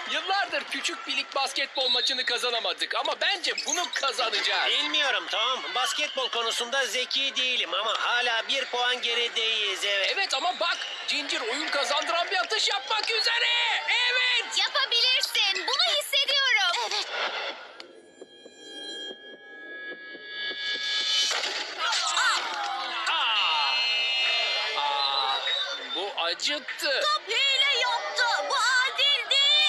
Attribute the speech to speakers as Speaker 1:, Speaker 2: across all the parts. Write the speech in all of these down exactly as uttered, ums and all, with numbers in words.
Speaker 1: Yıllardır küçük bir lig basketbol maçını kazanamadık ama bence bunu kazanacağız.
Speaker 2: Bilmiyorum Tom. Basketbol konusunda zeki değilim ama hala bir puan gerideyiz, evet.
Speaker 1: Evet ama bak, Ginger oyun kazandıran bir atış yapmak üzere. Evet.
Speaker 3: Yapabilirsin. Bunu hissediyorum. Evet.
Speaker 1: Aa, Aa, bu acıttı.
Speaker 3: Top hile yaptı. Bu adil değil.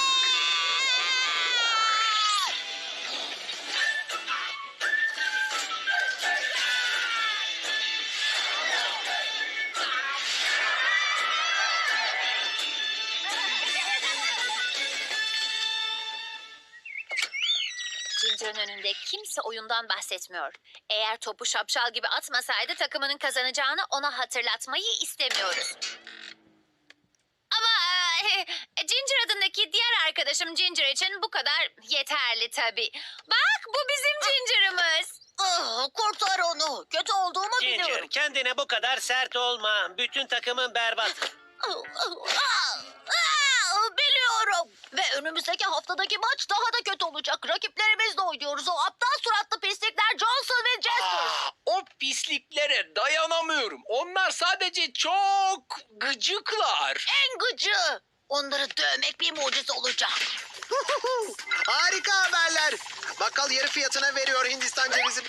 Speaker 3: Ginger'ın önünde kimse oyundan bahsetmiyor. Eğer topu şapşal gibi atmasaydı takımının kazanacağını ona hatırlatmayı istemiyoruz. Ama e, Ginger adındaki diğer arkadaşım Ginger için bu kadar yeterli tabii. Bak bu bizim Ginger'ımız. Ah, kurtar onu. Kötü olduğumu
Speaker 2: Ginger, kendine bu kadar sert olma. Bütün takımın berbat.
Speaker 3: Ah, ah, ah, biliyorum. Ve önümüzdeki haftadaki maç daha da kötü olacak. Rakiplerimizle oynuyoruz. O aptal suratlı pislikler Johnson ve Jester.
Speaker 1: Aa, o pisliklere dayanamıyorum. Onlar sadece çok gıcıklar.
Speaker 3: En gıcı. Onları dövmek bir mucize olacak.
Speaker 4: Harika haberler. Bakkal yarı fiyatına veriyor Hindistan cevizini.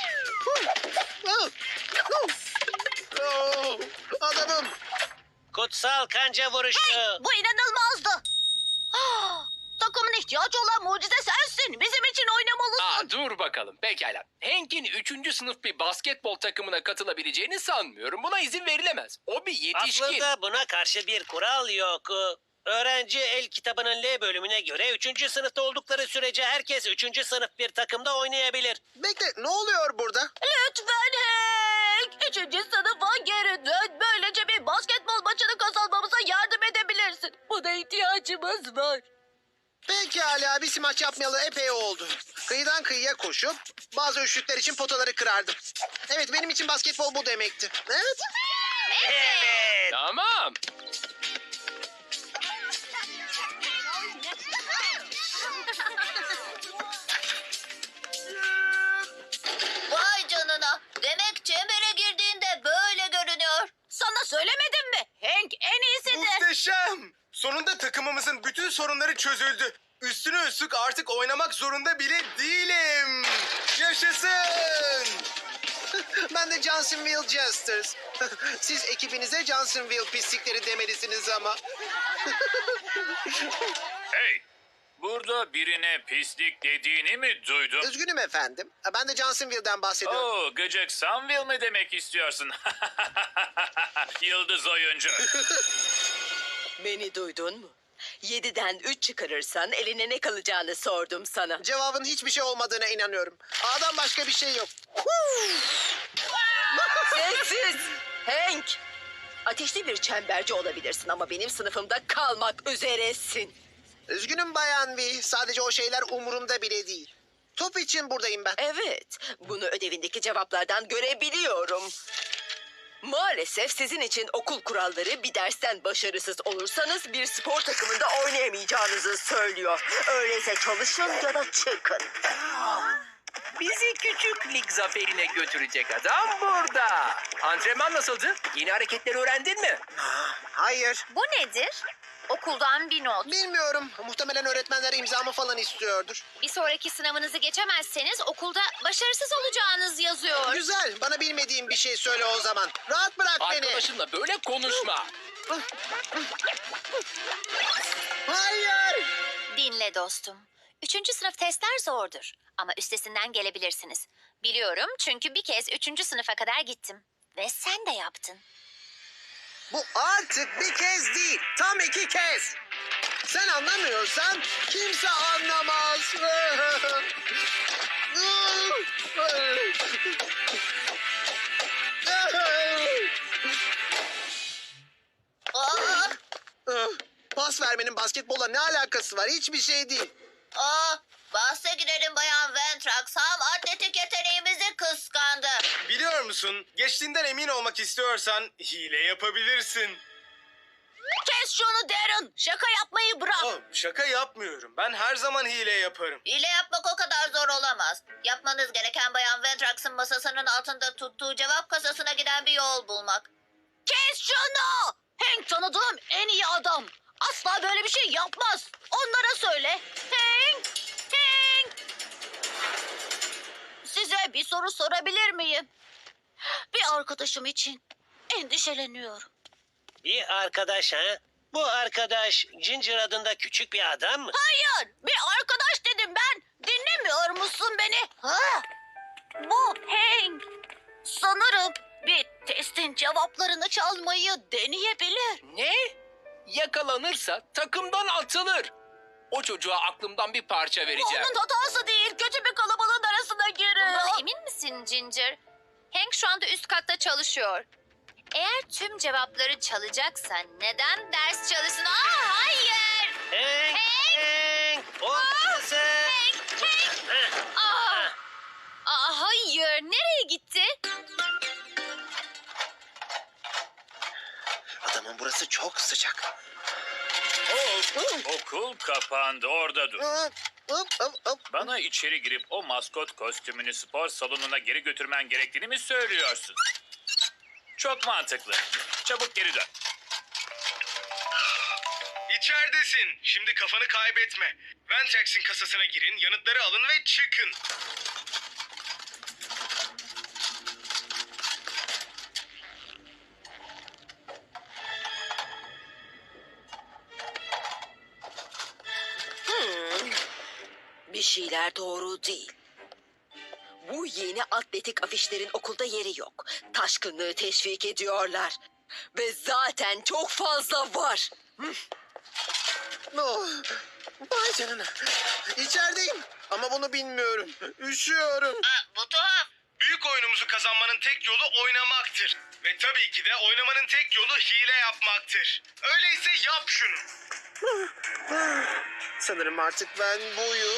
Speaker 4: Oh, adamım.
Speaker 2: Kutsal kanca vuruşu.
Speaker 3: Bu inanılmazdı. Ah, takımın ihtiyacı olan mucize sensin. Bizim için oynamalısın.
Speaker 1: Aa, dur bakalım. Pekala. Hank'in üçüncü sınıf bir basketbol takımına katılabileceğini sanmıyorum. Buna izin verilemez. O bir yetişkin.
Speaker 2: Aslında buna karşı bir kural yok. Öğrenci el kitabının L bölümüne göre üçüncü sınıfta oldukları sürece herkes üçüncü sınıf bir takımda oynayabilir.
Speaker 4: Bekle, ne oluyor burada?
Speaker 3: Lütfen Hank. Üçüncü sınıfa geri dön. Böylece bir basketbol maçını kazanmamıza yardım edebilirsin. Buna ihtiyacımız var.
Speaker 4: Pekala, bir maç yapmayalı epey oldu. Kıyıdan kıyıya koşup bazı üçlükler için potaları kırardım. Evet, benim için basketbol bu demekti. Evet.
Speaker 2: Evet.
Speaker 1: Tamam.
Speaker 3: Vay canına. Demek çembere girdiğinde böyle görünüyor. Sana söylemedim mi? Hank en iyisidir.
Speaker 5: Muhteşem! Sonunda takımımızın bütün sorunları çözüldü. Üstüne üstlük artık oynamak zorunda bile değilim. Yaşasın!
Speaker 4: Ben de Johnsonville Jesters. Siz ekibinize Johnsonville pislikleri demelisiniz ama.
Speaker 6: Hey! Burada birine pislik dediğini mi duydum?
Speaker 4: Üzgünüm efendim. Ben de Johnsonville'den bahsediyorum.
Speaker 6: Oo, gıcık Sunville mi demek istiyorsun? Yıldız oyuncu.
Speaker 7: Beni duydun mu? Yediden üç çıkarırsan eline ne kalacağını sordum sana.
Speaker 4: Cevabın hiçbir şey olmadığına inanıyorum. A'dan başka bir şey yok.
Speaker 7: Sessiz! Hank! Ateşli bir çemberci olabilirsin ama benim sınıfımda kalmak üzeresin.
Speaker 4: Üzgünüm Bayan V. Sadece o şeyler umurumda bile değil. Top için buradayım ben.
Speaker 7: Evet, bunu ödevindeki cevaplardan görebiliyorum. Maalesef sizin için okul kuralları bir dersten başarısız olursanız bir spor takımında oynayamayacağınızı söylüyor. Öyleyse çalışın ya da çıkın.
Speaker 1: Bizi küçük lig zaferine götürecek adam burada. Antrenman nasıldı? Yeni hareketleri öğrendin mi?
Speaker 4: Hayır.
Speaker 3: Bu nedir? Okuldan bir not.
Speaker 4: Bilmiyorum. Muhtemelen öğretmenler imzamı falan istiyordur.
Speaker 3: Bir sonraki sınavınızı geçemezseniz okulda başarısız olacağınız yazıyor.
Speaker 4: Güzel. Bana bilmediğim bir şey söyle o zaman. Rahat bırak beni.
Speaker 1: Arkadaşınla böyle konuşma.
Speaker 4: Hayır.
Speaker 3: Dinle dostum. Üçüncü sınıf testler zordur. Ama üstesinden gelebilirsiniz. Biliyorum çünkü bir kez üçüncü sınıfa kadar gittim. Ve sen de yaptın.
Speaker 4: Bu artık bir kez değil. Tam iki kez. Sen anlamıyorsan kimse anlamaz.
Speaker 3: Aa,
Speaker 4: Pas vermenin basketbolla ne alakası var? Hiçbir şey değil.
Speaker 3: aa, bahse girelim Bayan Ventrax. Ham atletik yeteneğimizi kıskandı.
Speaker 5: Biliyor musun? Geçtiğinden emin olmak istiyorsan hile yapabilirsin.
Speaker 3: Kes Kes şunu Darren. Şaka yapmayı bırak.
Speaker 5: Oh, şaka yapmıyorum. Ben her zaman hile yaparım.
Speaker 3: Hile yapmak o kadar zor olamaz. Yapmanız gereken Bayan Ventrax'ın masasının altında tuttuğu cevap kasasına giden bir yol bulmak. Kes şunu! Hank tanıdığım en iyi adam. Asla böyle bir şey yapmaz. Onlara söyle. Hank! Hank! Size bir soru sorabilir miyim? Bir arkadaşım için endişeleniyorum.
Speaker 2: Bir arkadaş ha? Bu arkadaş Ginger adında küçük bir adam mı?
Speaker 3: Hayır, bir arkadaş dedim ben. Dinlemiyor musun beni? Ha? Bu Hank. Sanırım bir testin cevaplarını çalmayı deneyebilir.
Speaker 1: Ne? Yakalanırsa takımdan atılır. O çocuğa aklımdan bir parça vereceğim.
Speaker 3: Onun hatası değil, kötü bir kalabalığın arasına giriyor.
Speaker 8: Bundan emin misin Ginger? Hank şu anda üst katta çalışıyor. Eğer tüm cevapları çalacaksa neden ders çalışsın? Aa hayır!
Speaker 2: Hank! Hank! Oradasın! Heh.
Speaker 8: Aa, aa hayır! Nereye gitti?
Speaker 4: Adamın burası çok sıcak.
Speaker 6: Oh, okul kapandı. Orada dur.
Speaker 4: Hop, hop, hop, hop.
Speaker 6: Bana içeri girip o maskot kostümünü spor salonuna geri götürmen gerektiğini mi söylüyorsun? Çok mantıklı. Çabuk geri dön.
Speaker 5: İçeridesin. Şimdi kafanı kaybetme. Ventrax'in kasasına girin, yanıtları alın ve çıkın.
Speaker 7: Bir şeyler doğru değil. Bu yeni atletik afişlerin okulda yeri yok. Taşkınlığı teşvik ediyorlar. Ve zaten çok fazla var.
Speaker 4: Oh, vay canına. İçerideyim ama bunu bilmiyorum. Üşüyorum.
Speaker 3: Bu tuhaf.
Speaker 5: Büyük oyunumuzu kazanmanın tek yolu oynamaktır. Ve tabii ki de oynamanın tek yolu hile yapmaktır. Öyleyse yap şunu.
Speaker 4: Sanırım artık ben buyum.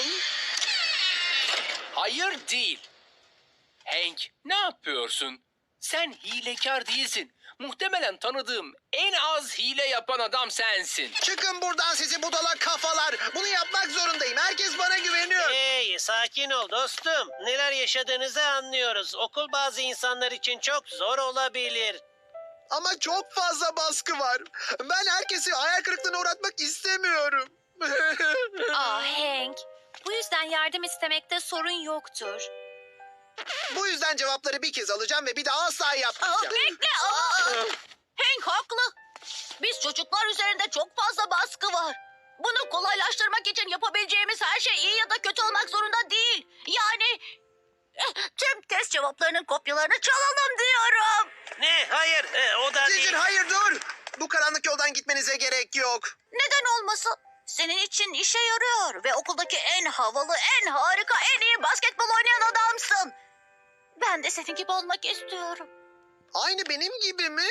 Speaker 1: Hayır değil. Hank, ne yapıyorsun? Sen hilekar değilsin. Muhtemelen tanıdığım en az hile yapan adam sensin.
Speaker 4: Çıkın buradan sizi budala kafalar. Bunu yapmak zorundayım. Herkes bana güveniyor.
Speaker 2: Hey, sakin ol dostum. Neler yaşadığınızı anlıyoruz. Okul bazı insanlar için çok zor olabilir.
Speaker 4: Ama çok fazla baskı var. Ben herkesi hayal kırıklığına uğratmak istemiyorum.
Speaker 8: Aa Hank, bu yüzden yardım istemekte sorun yoktur.
Speaker 4: Bu yüzden cevapları bir kez alacağım ve bir daha asla yapmayacağım.
Speaker 3: Bekle ama... Hank haklı. Biz çocuklar üzerinde çok fazla baskı var. Bunu kolaylaştırmak için yapabileceğimiz her şey iyi ya da kötü olmak zorunda değil. Yani eh, tüm test cevaplarının kopyalarını çalalım diyorum.
Speaker 2: Ne? Hayır, e, o da
Speaker 4: Ginger
Speaker 2: değil.
Speaker 4: hayır dur. Bu karanlık yoldan gitmenize gerek yok.
Speaker 3: Neden olmasın? Senin için işe yarıyor ve okuldaki en havalı, en harika, en iyi basketbol oynayan adamsın. Ben de senin gibi olmak istiyorum.
Speaker 4: Aynı benim gibi mi?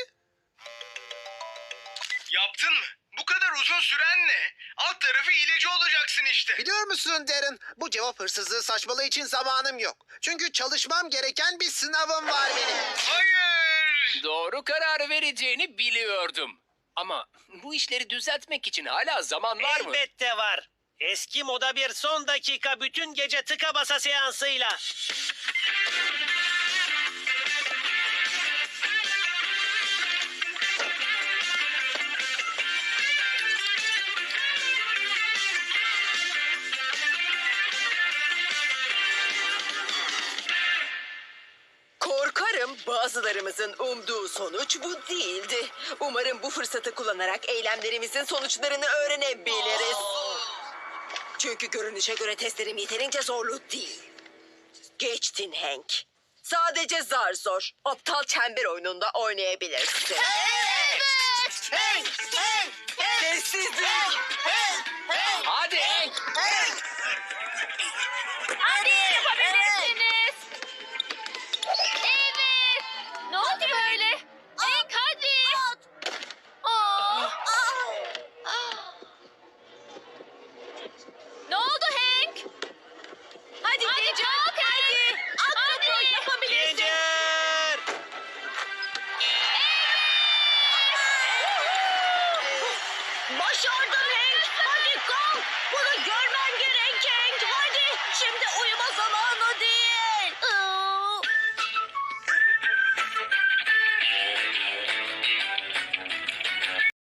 Speaker 5: Yaptın mı? Bu kadar uzun süren ne? Alt tarafı hileci olacaksın işte.
Speaker 4: Biliyor musun Darren? Bu cevap hırsızlığı saçmalığı için zamanım yok. Çünkü çalışmam gereken bir sınavım var benim.
Speaker 5: Hayır.
Speaker 1: Doğru karar vereceğini biliyordum. Ama bu işleri düzeltmek için hala zaman var mı?
Speaker 2: Elbette var. Eski moda bir son dakika bütün gece tıka basa seansıyla.
Speaker 7: Korkarım bazılarımızın umduğu sonuç bu değildi. Umarım bu fırsatı kullanarak eylemlerimizin sonuçlarını öğrenebiliriz. Çünkü görünüşe göre testlerim yeterince zorlu değil. Geçtin Hank. Sadece zar zor. Aptal çember oyununda oynayabilirsin.
Speaker 3: Evet! Hank! Hank!
Speaker 7: Sessizlik.
Speaker 1: Hadi Hank.
Speaker 3: Hadi yapabilirsiniz.
Speaker 8: Evet! Ne oldu böyle? Hank hadi! Aa! Ne oldu Hank? Hadi Ginger, hadi! Hadi! Yapabilirsin!
Speaker 2: Ginger!
Speaker 7: Başardın Hank. Hadi kalk. Bunu görmen gerek Hank. Hadi şimdi uyuma zamanı değil.